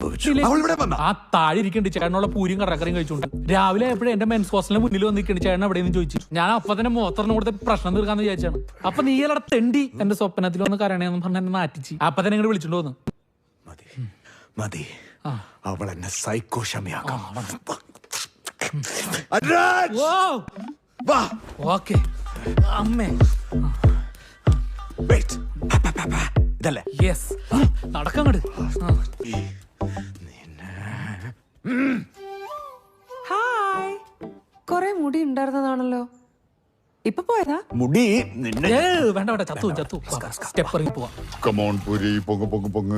ആ താഴെ ഇരിക്കണ്ട് ചേട്ടനുള്ള പൂരിയും കടക്കറിയും കഴിച്ചോണ്ട്. രാവിലെ എപ്പോഴും എന്റെ മെൻസ് ഹോസ്റ്റലിന് മുന്നിൽ വന്നിരിക്കണ്ട് ചേട്ടൻ എവിടെയെന്ന് ചോദിച്ചു. ഞാൻ അപ്പൊ തന്നെ മോത്തറിന് കൊടുത്ത് പ്രശ്നം തീർക്കാന്ന് വിചാരിച്ചാണ്. അപ്പൊ നീ അല്ലട തെണ്ടി എന്റെ സ്വപ്നത്തിൽ വന്ന് കരണേന്ന് പറഞ്ഞ എന്നെ നാറ്റിച്ച്. അപ്പൊ തന്നെ ഇങ്ങോട്ട് വിളിച്ചോണ്ട് വന്നു. മതി, അവൾ എന്നെ സൈക്കോ ക്ഷമയാക്കാം. ഓക്കെ അമ്മേ ഇതല്ലേ? യെസ്, നടക്കങ്ങട്. ഹായ്, കൊറേ മുടി ഉണ്ടായിരുന്നതാണല്ലോ, ഇപ്പൊ പോയതാ? മുടി നിന്നെ വേണ്ട വേണ്ട, ചത്തു ചത്തു. സ്റ്റെപ്പ് ഇറങ്ങി പോവാ. കമോൺ പുരി, പൊങ്ങ് പൊങ്ങ് പൊങ്ങ്.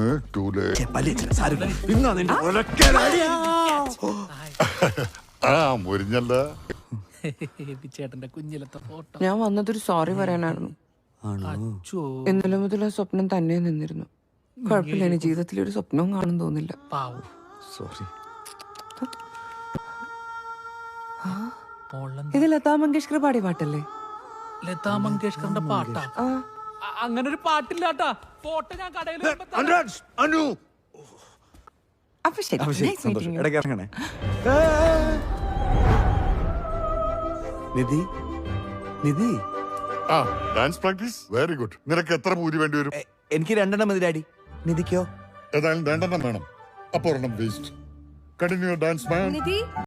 മുരിഞ്ഞല്ല ചേട്ടന്റെ കുഞ്ഞിലത്തെ ഫോട്ടോ. ഞാൻ വന്നതൊരു സോറി പറയാനായിരുന്നു. ഇന്നലെ മുതൽ ആ സ്വപ്നം തന്നെ നിന്നിരുന്നു. കുഴപ്പമില്ല, എന്റെ ജീവിതത്തിൽ ഒരു സ്വപ്നവും കാണും തോന്നില്ല. സോറി. ഇത് ലതാ മങ്കേഷ്കർ പാടിയ പാട്ടല്ലേ? ലതാ മങ്കേഷ്കറിന്റെ പാട്ടാ? അങ്ങനെ ഒരു പാട്ടില്ലാട്ടാ. ഫോട്ടോ ഞാൻ കടയിൽ അപ്പൊ ശരി, ഇടയ്ക്ക് ഇറങ്ങണേ. Nidhi, Nidhi, dance practice very good. നിനക്ക് എത്ര പൂരി വേണ്ടി വരും? എനിക്ക് 2 മതി ഡാഡി. നിധിക്കോ? ഏതായാലും 2 വേണം. അപ്പൊ 1 വേസ്റ്റ്. കണ്ടിന്യൂ ഡാൻസ് മാൻ.